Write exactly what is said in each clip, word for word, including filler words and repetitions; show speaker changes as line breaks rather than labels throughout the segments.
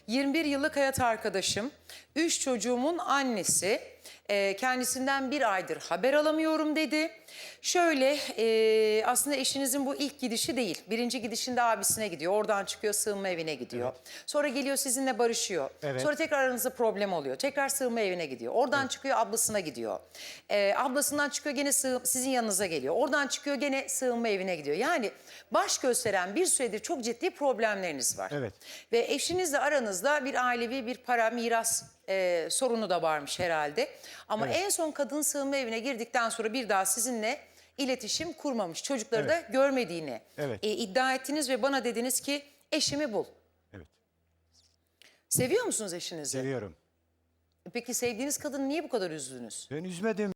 yirmi bir yıllık hayat arkadaşım. Üç çocuğumun annesi. Ee, kendisinden bir aydır haber alamıyorum dedi. Şöyle e, aslında eşinizin bu ilk gidişi değil. Birinci gidişinde abisine gidiyor. Oradan çıkıyor, sığınma evine gidiyor. Sonra geliyor sizinle barışıyor.
Evet.
Sonra tekrar aranızda problem oluyor. Tekrar sığınma evine gidiyor. Oradan
Evet.
çıkıyor, ablasına gidiyor. Ee, ablasından çıkıyor, gene sığ, sizin yanınıza geliyor. Oradan çıkıyor, gene sığınma evine gidiyor. Yani baş gösteren bir süredir çok ciddi problemleriniz var.
Evet.
Ve eşinizle aranızda bir ailevi bir para miras e, sorunu da varmış herhalde. Ama
Evet.
en son kadın sığınma evine girdikten sonra bir daha sizinle iletişim kurmamış. Çocukları
Evet.
da görmediğini
Evet.
e, iddia ettiniz ve bana dediniz ki eşimi bul.
Evet.
Seviyor musunuz eşinizi?
Seviyorum.
Peki sevdiğiniz kadını niye bu kadar üzdünüz?
Ben üzmedim.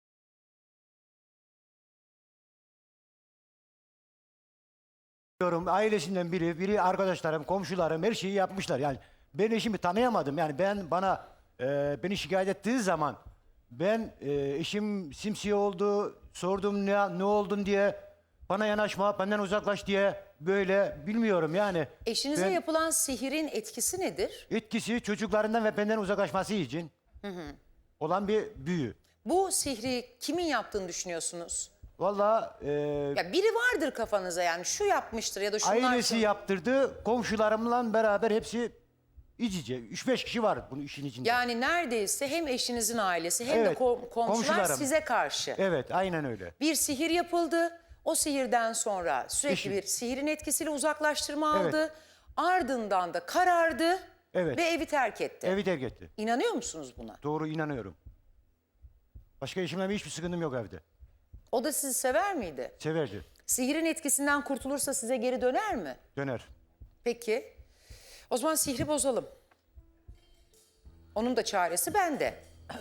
Diyorum, ailesinden biri, biri arkadaşlarım, komşularım her şeyi yapmışlar. Yani ben eşimi tanıyamadım. Yani ben bana e, beni şikayet ettiği zaman ben e, eşim simsiye oldu, sordum ne ne oldun diye, bana yanaşma, benden uzaklaş diye, böyle bilmiyorum yani.
Eşinize
Ben-
yapılan sihirin etkisi nedir?
Etkisi çocuklarından ve benden uzaklaşması için olan bir büyü.
Bu sihri kimin yaptığını düşünüyorsunuz?
Vallahi e,
Ya biri vardır kafanıza, yani şu yapmıştır ya da şunlar.
ailesi yaptırdı, komşularımla beraber hepsi iç içe. Üç beş kişi var bunun işin içinde.
Yani neredeyse hem eşinizin ailesi hem de
Evet,
kom- komşular
komşularım.
size karşı.
Evet, aynen öyle.
Bir sihir yapıldı. O sihirden sonra sürekli
Eşim.
bir sihirin etkisiyle uzaklaştırma
Evet.
aldı. Ardından da karardı
Evet.
ve evi terk etti.
Evi terk etti.
İnanıyor musunuz buna?
Doğru, inanıyorum. Başka eşimle hiçbir sıkıntım yok evde.
O da sizi sever miydi?
Severdi.
Sihirin etkisinden kurtulursa size geri döner mi?
Döner.
Peki. O zaman sihri bozalım. Onun da çaresi bende.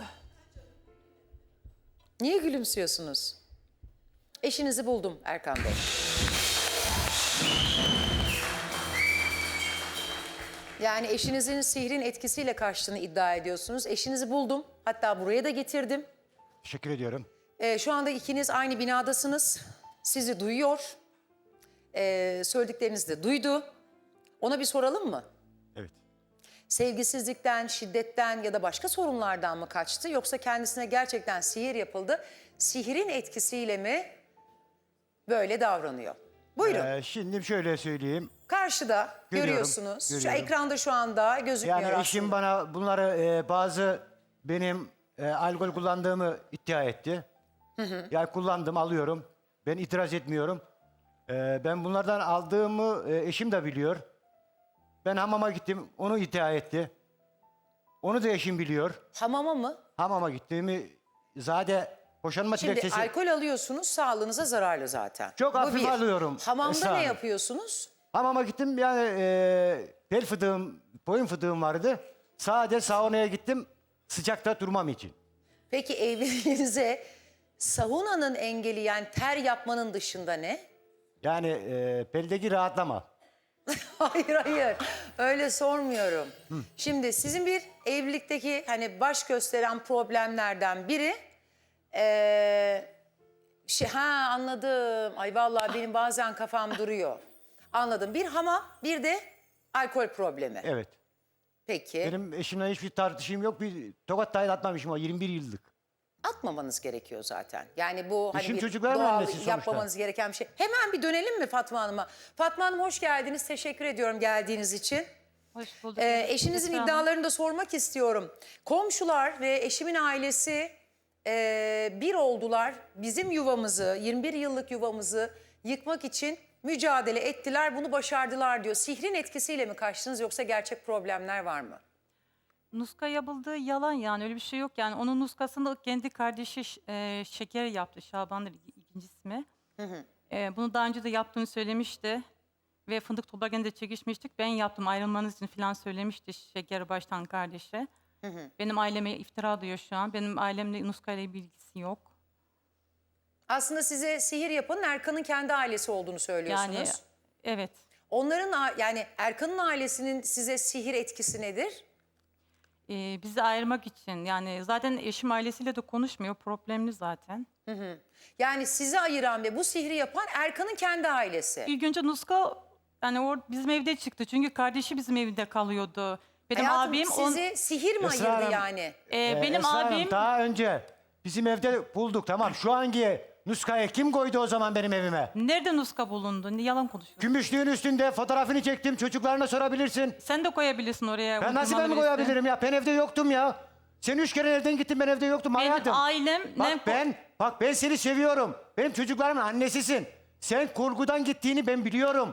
Niye gülümsüyorsunuz? Eşinizi buldum Erkan Bey. Yani eşinizin sihrin etkisiyle kaçtığını iddia ediyorsunuz. Eşinizi buldum. Hatta buraya da getirdim.
Teşekkür ediyorum.
Ee, şu anda ikiniz aynı binadasınız. Sizi duyuyor. Ee, söylediklerinizi de duydu. Ona bir soralım mı?
Evet.
Sevgisizlikten, şiddetten ya da başka sorunlardan mı kaçtı? Yoksa kendisine gerçekten sihir yapıldı. Sihirin etkisiyle mi böyle davranıyor? Buyurun.
Ee, şimdi şöyle söyleyeyim.
Karşıda
Görüyorum,
görüyorsunuz. Şu
görüyorum.
ekranda şu anda gözükmüyor
Yani
aslında.
eşim bana bunları e, bazı benim e, alkol kullandığımı iddia etti. Yani kullandım, alıyorum. Ben itiraz etmiyorum. E, ben bunlardan aldığımı e, eşim de biliyor. Ben hamama gittim, onu iddia etti. Onu da eşim biliyor.
Hamama mı?
Hamama gittiğimi zaten boşanma
Şimdi
dilekçesi...
alkol alıyorsunuz, sağlığınıza zararlı zaten.
Çok
Bu
hafif
bir.
alıyorum,
Hamamda
Esra
ne
Hanım.
yapıyorsunuz?
Hamama gittim, yani e, bel fıdığım, boyun fıdığım vardı. Sadece saunaya gittim, sıcakta durmam için.
Peki evliliğinize saunanın engeli, yani ter yapmanın dışında ne?
Yani e, beldeki rahatlama.
Hayır hayır, öyle sormuyorum. Şimdi sizin bir evlilikteki hani baş gösteren problemlerden biri... Ee, şey, ha anladım. Ay vallahi benim bazen kafam duruyor. Anladım. Bir hamam, bir de alkol problemi.
Evet.
Peki.
Benim eşimle hiçbir tartışım yok. Bir tokat dahi atmamışım o yirmi bir yıllık.
Atmamanız gerekiyor zaten. Yani bu hani
Eşim
bir
çocukların
doğal
annesi sonuçta.
yapmamanız gereken bir şey. Hemen bir dönelim mi Fatma Hanım'a? Fatma Hanım hoş geldiniz. Teşekkür ediyorum geldiğiniz için.
Hoş bulduk.
Ee, eşinizin
Esra Hanım.
iddialarını da sormak istiyorum. Komşular ve eşimin ailesi e, bir oldular. Bizim yuvamızı, yirmi bir yıllık yuvamızı yıkmak için mücadele ettiler. Bunu başardılar diyor. Sihrin etkisiyle mi kaçtınız yoksa gerçek problemler var mı?
Nuska yapıldığı yalan, yani öyle bir şey yok. Yani onun nuskasını kendi kardeşi e, Şeker yaptı. Şaban'dır ikinci ismi.
Hı hı.
E, bunu daha önce de yaptığını söylemişti. Ve fındık toplarken de çekişmiştik. Ben yaptım, ayrılmanız için falan söylemişti Şeker baştan kardeşe.
Hı hı.
Benim aileme iftira duyuyor şu an. Benim ailemle Nuska ile bilgisi yok.
Aslında size sihir yapanın Erkan'ın kendi ailesi olduğunu söylüyorsunuz.
Yani evet.
Onların a- yani Erkan'ın ailesinin size sihir etkisi nedir?
E, bizi ayırmak için. Yani zaten eşim ailesiyle de konuşmuyor. Problemli zaten.
Yani sizi ayıran ve bu sihri yapan Erkan'ın kendi ailesi.
İlk önce Nuska yani o bizim evde çıktı. Çünkü kardeşi bizim evde kalıyordu. Benim
Hayatım,
abim on,
sizi sihir mi
Esra
ayırdı
Hanım,
yani?
e,
Ee,
benim
Esra Hanım,
abim
daha önce bizim evde bulduk, tamam. Şu anki nuskayı kim koydu o zaman benim evime?
nerede nuska bulundu? Ne yalan konuşuyorsun?
Gümüşlüğün üstünde fotoğrafını çektim. Çocuklarına sorabilirsin.
Sen de koyabilirsin oraya.
Ben nasıl ben
uydurmalı birisi.
koyabilirim ya? Ben evde yoktum ya. Sen üç kere nereden gittin, ben evde yoktum
Benim
hayatım.
ailem...
Bak
ne-
ben, bak ben seni seviyorum. Benim çocuklarımın annesisin. Sen kurgudan gittiğini ben biliyorum.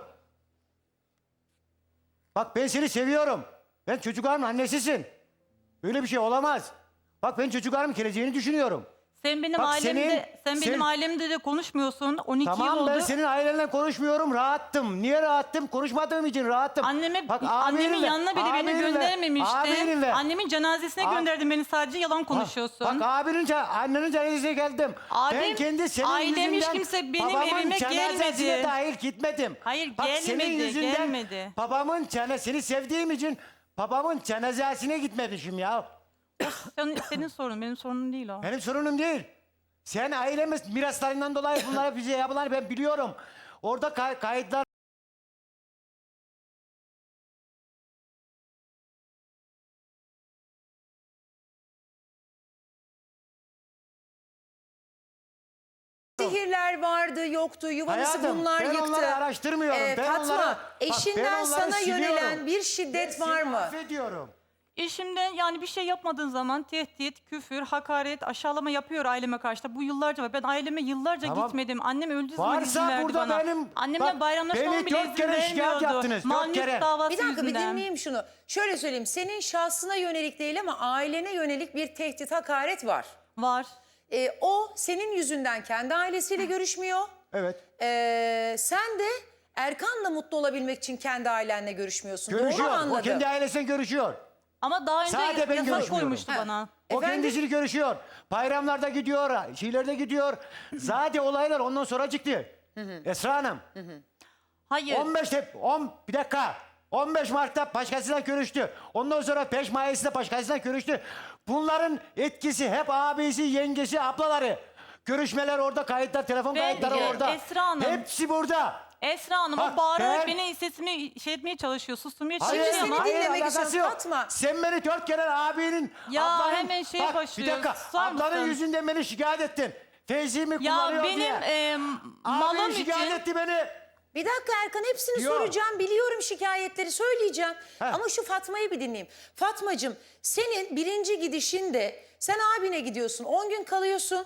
Bak ben seni seviyorum. Ben çocuklarımın annesisin. Böyle bir şey olamaz. Bak ben çocuklarımın geleceğini düşünüyorum.
Sen benim
Bak
ailemde,
senin-
sen benim
sen-
ailemde de konuşmuyorsun. on iki yıl
Tamam,
oldu.
ben senin ailenle konuşmuyorum, rahattım. Niye rahattım? Konuşmadığım için rahattım.
Anneme,
Bak,
annemin
abinim ve-
yanına bile beni
abinim ve-
göndermemişti.
abinim ve-
Annemin cenazesine
Ab-
gönderdin beni, sadece yalan
Bak-
konuşuyorsun.
Bak, abinin, ce- annenin cenazesine geldim. ben
Abim,
kendi senin
ailem hiç
yüzünden
kimse benim
babamın
evime
cenazesine
gelmedi.
dahil gitmedim.
Hayır,
Bak, senin
gelmedi,
yüzünden
gelmedi.
Babamın cenazesini, seni sevdiğim için babamın cenazesine gitmemişim ya.
Sen- senin sorun, benim sorunum değil o.
Benim sorunum değil. Sen ailemiz miraslarından dolayı bunlara bize yapılanı ben biliyorum. Orada kay- kayıtlar
Sihirler vardı, yoktu, yuvanızı
Hayatım,
bunlar
ben
yıktı.
onları araştırmıyorum.
Ee,
Ben
Fatma,
onları- bak,
eşinden
ben onları
sana
siliyorum.
yönelen bir şiddet
Ben
var
seni
mı?
affediyorum.
Eşimden yani bir şey yapmadığın zaman tehdit, küfür, hakaret, aşağılama yapıyor aileme karşı da. Bu yıllarca var. Ben aileme yıllarca
Tamam.
gitmedim. Annem öldüğü zaman izin
Varsa
verdi
burada
bana.
benim...
Annemle
bak,
bayramlaşmama
beni
bile
dört
izin
kere şikayet
vermiyordu.
yaptınız. Dört
Mahluk
kere.
davası
Bir dakika bir
yüzünden.
dinleyeyim şunu. Şöyle söyleyeyim, senin şahsına yönelik değil ama ailene yönelik bir tehdit, hakaret var.
Var.
Ee, o senin yüzünden kendi ailesiyle görüşmüyor.
Evet.
Ee, sen de Erkan'la mutlu olabilmek için kendi ailenle görüşmüyorsun. Doğru mu
Görüşüyor. O
anladım?
kendi ailesiyle görüşüyor.
Ama daha önce
Sadece ben
yasak
görüşmüyorum.
koymuştu
Ha.
bana.
O
Efendim?
kendisini görüşüyor. Bayramlarda gidiyor, şeylerde gidiyor. Zaten olaylar ondan sonra çıktı. Esra Hanım.
Hayır.
on beş tep on bir dakika. on beş Mart'ta başkasıyla görüştü. Ondan sonra beş Mayıs'ta başkasıyla görüştü. Bunların etkisi hep abisi, yengesi, ablaları. Görüşmeler orada, kayıtlar, telefon
Ben-
kayıtları
e,
orada.
Esra Hanım.
Hepsi burada.
Esra Hanım
Bak,
o bağırarak
ben-
beni sesimi şey etmeye çalışıyor, susturmaya
Hayır,
çalışıyor
seni
ama...
dinle- dinlemek
alakası
istiyorum.
yok.
Fatma.
Sen beni dört kere abinin,
Ya,
ablanın...
hemen şeye
Bak, bir
başlıyor.
dakika,
Susar
ablanın
mısın?
yüzünden beni şikayet ettin. Feyzi'mi
Ya
kullanıyor
benim
diye.
e,
Abin
malım
şikayet
için...
etti beni.
Bir dakika Erkan, hepsini
Yok.
soracağım. Biliyorum şikayetleri, söyleyeceğim.
Heh.
Ama şu Fatma'yı bir dinleyeyim. Fatmacığım, senin birinci gidişinde sen abine gidiyorsun. on gün kalıyorsun.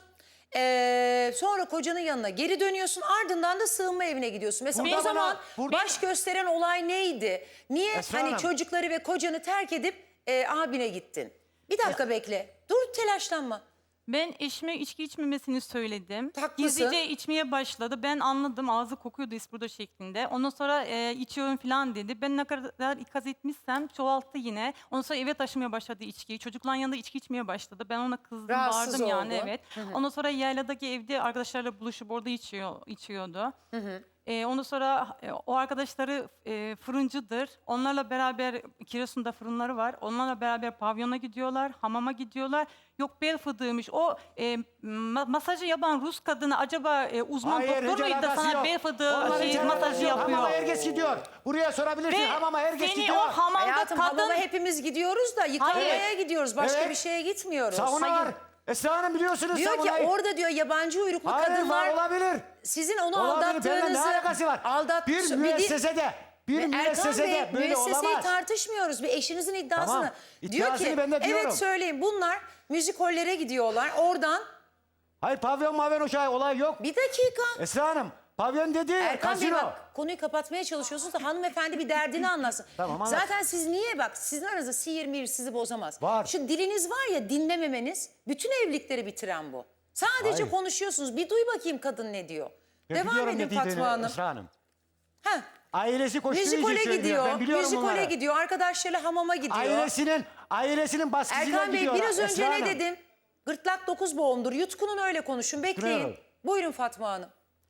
Ee, sonra kocanın yanına geri dönüyorsun. Ardından da sığınma evine gidiyorsun. Mesela
Burada
o zaman
bana- burada-
baş gösteren olay neydi? Niye
Esra
hani
Hanım.
çocukları ve kocanı terk edip e, abine gittin? Bir dakika bekle. Dur, telaşlanma.
Ben eşime içki içmemesini söyledim.
Haklısın.
Gizlice içmeye başladı. Ben anladım, ağzı kokuyordu isburda şeklinde. Ondan sonra e, içiyorum falan dedi. Ben ne kadar ikaz etmişsem çoğalttı yine. Ondan sonra eve taşımaya başladı içkiyi. Çocukların yanında içki içmeye başladı. Ben ona kızdım,
Rahatsız
bağırdım yani
oldu.
evet. Ondan sonra yayladaki evde arkadaşlarla buluşup orada içiyor, içiyordu. E, ondan sonra e, o arkadaşları e, fırıncıdır. Onlarla beraber Giresun'da fırınları var. Onlarla beraber pavyona gidiyorlar, hamama gidiyorlar. Yok bel fıdığıymış. O e, ma- masajı yapan Rus kadını acaba e, uzman
Hayır,
doktor
hiç
muydu da
alakası
sana
yok.
bel fıdığı
Onların
şey,
hiç alakası
masajı
yok.
yapıyor?
Hamama herkes gidiyor. Buraya sorabilirsin.
Ve
Hamama herkes
seni
gidiyor.
o hamamda
Hayatım,
kadın...
hamama hepimiz gidiyoruz da yıkamaya
Hayır.
gidiyoruz. Başka
Evet.
bir şeye gitmiyoruz.
Sauna
Hayır.
var. Esra Hanım biliyorsunuz
Diyor ki
saunayı.
orada diyor yabancı uyruklu
Hayır,
kadınlar
var, olabilir.
sizin onu
Olabilir. Benimle ne
aldattığınızı
alakası var?
aldat
Bir
di-
müessesede, bir
Erkan Bey,
müessesede böyle
müesseseyi
olamaz.
tartışmıyoruz. Bir eşinizin iddiasını.
Tamam,
Diyor
iddiasını
ki
ben de diyorum.
evet söyleyin, bunlar müzikollere gidiyorlar. Oradan
Hayır, pavyon mavyon uşağı olay yok.
bir dakika.
Esra Hanım, pavyon dedi
Erkan Bey,
kasino.
bak konuyu kapatmaya çalışıyorsunuz da hanımefendi bir derdini anlasın.
Tamam, anlat.
Zaten siz niye, bak sizin aranızda sihir mihir sizi bozamaz.
Var.
Şu diliniz var ya, dinlememeniz bütün evlilikleri bitiren bu. Sadece
Hayır.
konuşuyorsunuz. Bir duy bakayım kadın ne diyor.
Ben
Devam
biliyorum
edin
ne dediğini
Fatma Hanım.
Esra Hanım.
Heh.
Ailesi koştuğu için
Müzikole
söylüyor.
gidiyor,
Ben biliyorum
müzikole
bunları.
gidiyor, arkadaşlarıyla hamama gidiyor.
Ailesinin, ailesinin baskısıyla
Erkan Bey,
gidiyor.
biraz önce
Esra
ne
Hanım.
dedim? Gırtlak dokuz boğumdur. Yutkunun, öyle konuşun. Bekleyin.
Yutkunuyorum.
Buyurun Fatma Hanım.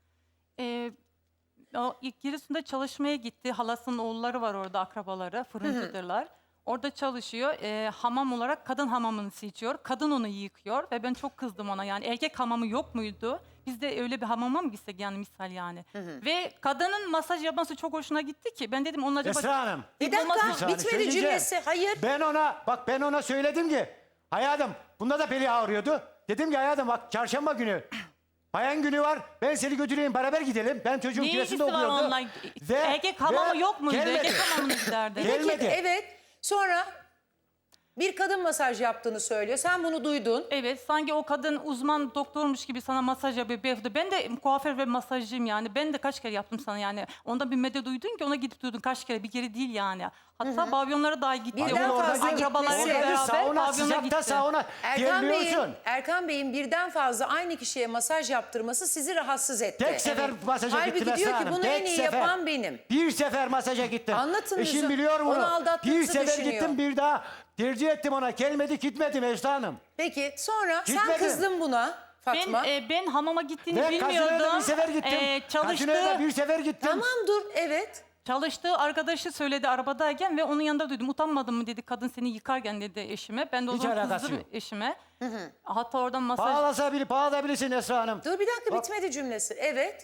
E, o ilk Giresun'da çalışmaya gitti. Halasının oğulları var orada, akrabaları, fırıncıdırlar. Orada çalışıyor. Ee, hamam olarak kadın hamamını seçiyor. Kadın onu yıkıyor ve ben çok kızdım ona. Yani erkek hamamı yok muydu? Biz de öyle bir hamama mı gitsek yani misal yani. Ve kadının masaj yapması çok hoşuna gitti ki. Ben dedim onun acaba...
Esra Hanım.
Bir dakika
olmaz-
saniye,
bitmedi
söyleyeceğim.
cümlesi. Hayır.
Ben ona bak ben ona söyledim ki hayatım bunda da beli ağrıyordu. Dedim ki hayatım bak çarşamba günü bayan günü var. Ben seni götüreyim beraber gidelim. Ben çocuğun
Ne ilgisi
küresinde
var
okuyordu.
onunla?
Ve-
Erkek hamamı
ve
yok muydu?
gelmedi.
Erkek hamamını giderdi.
Gel-
Peki,
Gelmedi.
evet. Sonra bir kadın masaj yaptığını söylüyor. Sen bunu duydun.
Evet, sanki o kadın uzman doktormuş gibi sana masaj yapıyor. beyefendi. Ben de kuaför ve masajcıyım yani. Ben de kaç kere yaptım sana yani. Ondan bir medet duydun ki ona gidip durdun kaç kere. Bir kere değil yani. Hatta pavyonlara dahi gitti.
Birden
O
fazla
akrabalarıyla
gitmesi.
beraber
sauna
pavyona
sıcakta
gitti.
sauna
Erkan Bey'in,
terliyorsun.
Erkan Bey'in birden fazla aynı kişiye masaj yaptırması sizi rahatsız etti.
Tek sefer masaja
Halbuki
gittim
diyor
Esra
ki
Hanım.
bunu
Tek
en iyi
sefer.
yapan benim.
Bir sefer masaja gittim.
Anlatın
Eşim
Yusuf.
biliyor bunu.
Onu aldattığınızı
Bir sefer
düşünüyor.
gittim bir daha tercih ettim ona. Gelmedi gitmedim Esra Hanım.
Peki sonra sen
Gitmedim.
kızdın buna Fatma.
Ben, e, ben hamama gittiğini
Ve
bilmiyordum.
Kaşıne'ye de bir sefer gittim.
E, çalıştığı,
Kaşıne'ye de bir sefer gittim.
Tamam dur evet.
çalıştığı arkadaşı söyledi arabadayken ve onun yanında duydum. Utanmadın mı dedi kadın seni yıkarken dedi eşime. Ben de o
Hiç
zaman
alakası
kızdım
yok.
eşime. Hatta oradan masaj...
Bağlasa bile bağlayabilirsin Esra Hanım.
Dur bir dakika
Bak-
bitmedi cümlesi. Evet.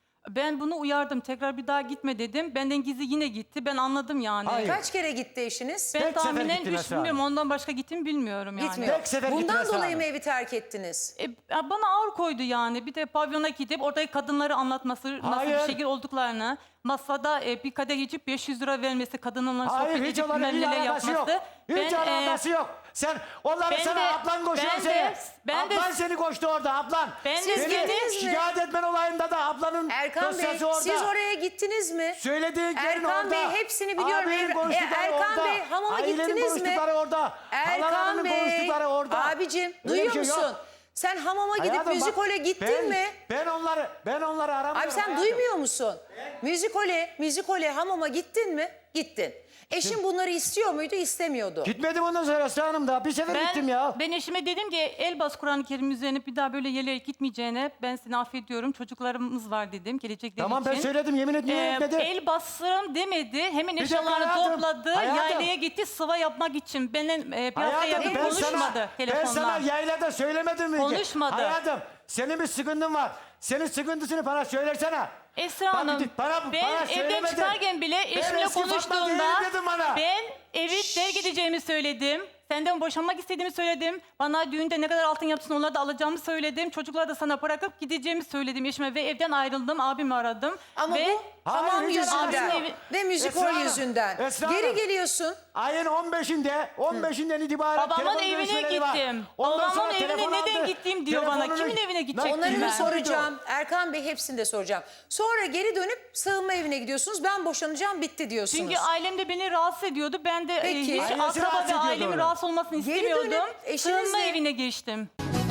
Ben bunu uyardım. Tekrar bir daha gitme dedim. Benden gizli yine gitti. Ben anladım yani.
Hayır.
Kaç kere gitti eşiniz?
Ben
Tek sefer
tahminen
gittim
üç
Esra
bilmiyorum.
Hanım.
Ondan başka gittim bilmiyorum yani.
Gitmiyor.
Tek sefer gittim
Bundan
Esra
dolayı mı
Hanım.
evi terk ettiniz?
E, ya bana ağır koydu yani. Bir de pavyona gidip oradaki kadınları anlatması, nasıl
Hayır.
bir şekil olduklarını, masada e, bir kadeh içip beş yüz lira vermesi, kadınlarla
Hayır
sohbet
hiç
edip
onların hiç
bilmem neler
alakası
yapması.
yok. Hiç
Ben, e,
alakası yok. Sen onları
ben
sana
de-
ablan koşuyor
ben de-
seni.
ben de-
ablan seni koştu orada ablan.
Ben de-
Siz
Seni
gittiniz mi?
şikayet etmen olayında da ablanın
Erkan Bey
dosyası orada.
siz oraya gittiniz mi?
Söylediğin yerin
Erkan
orada.
Bey hepsini biliyorum.
Abinin
Er-
konuştukları
e, Erkan
orada.
Bey, hamama
Ailenin
gittiniz mi?
konuştukları orada.
Erkan
Halalarının
Bey,
konuştukları orada.
abicim
Öyle bir
duyuyor
şey yok.
musun? Sen hamama gidip
Hayatım bak,
müzikole gittin
ben,
mi?
Ben onları ben onları aramıyorum.
Abi sen
hayatım.
duymuyor musun? Müzikole, müzikole hamama gittin mi? Gittin. Eşin bunları istiyor muydu? İstemiyordu.
Gitmedim ondan sonra Esra Hanım da. Bir sefer gittim ya.
Ben eşime dedim ki el bas Kur'an-ı Kerim üzerine bir daha böyle yerleyerek gitmeyeceğine ben seni affediyorum. Çocuklarımız var dedim gelecekleri
Tamam
için.
ben söyledim yemin et niye
Ee,
etmedi?
el bastırım demedi. Hemen
dakika
eşyalarını
hayatım,
topladı.
hayatım.
Yaylaya gitti sıva yapmak için. Benimle e, bir hafta
Hayatım
yakın
ben
konuşmadı
sana, ben
telefonla.
sana yaylada söylemedim mi? ki?
Konuşmadı.
Hayatım senin bir sıkıntın var. Senin sıkıntısını bana söylersene.
Esra
Bak,
Hanım,
gidip bana-
ben
bana
evden
söylemedin.
çıkarken bile
Ben
eşimle
eski Fatma
konuştuğumda
değilim dedin bana.
ben evi terk edeceğimi söyledim. Senden boşanmak istediğimi söyledim. Bana düğünde ne kadar altın yapsın onları da alacağımı söyledim. Çocukları da sana bırakıp gideceğimi söyledim eşime ve evden ayrıldım. Abimi aradım.
Ama
ve
bu
Hayır,
hamam
hiç
yüzünden
alakası yok.
ve müzikol
Esra Hanım,
yüzünden.
Esra
Geri
Hanım.
geliyorsun.
Ayın on beşinde, on beşinden itibaren
babamın
telefon
evine
görüşmeleri var.
gittim.
Ondan
Babamın
sonra
evine
telefon
neden
aldı.
gittiğim diyor bana.
Telefonunu-
Kimin evine gidecektim
Onların
Onları
ben?
da soracağım. Erkan Bey hepsini de soracağım. Sonra geri dönüp sığınma evine gidiyorsunuz. Ben boşanacağım bitti diyorsunuz.
Çünkü ailem de beni rahatsız ediyordu. Ben de e,
Peki.
hiç
Ailesi
akraba
rahatsız
ve
ediyordu
ailemin
onu.
rahatsız olmasını
Geri
istemiyordum.
dönüp eşinizle-
Sığınma evine geçtim.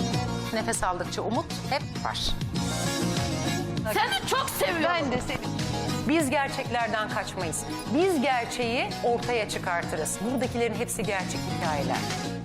nefes aldıkça umut hep var.
Seni çok seviyorum.
Ben de seni. Biz gerçeklerden kaçmayız. Biz gerçeği ortaya çıkartırız. Buradakilerin hepsi gerçek hikayeler.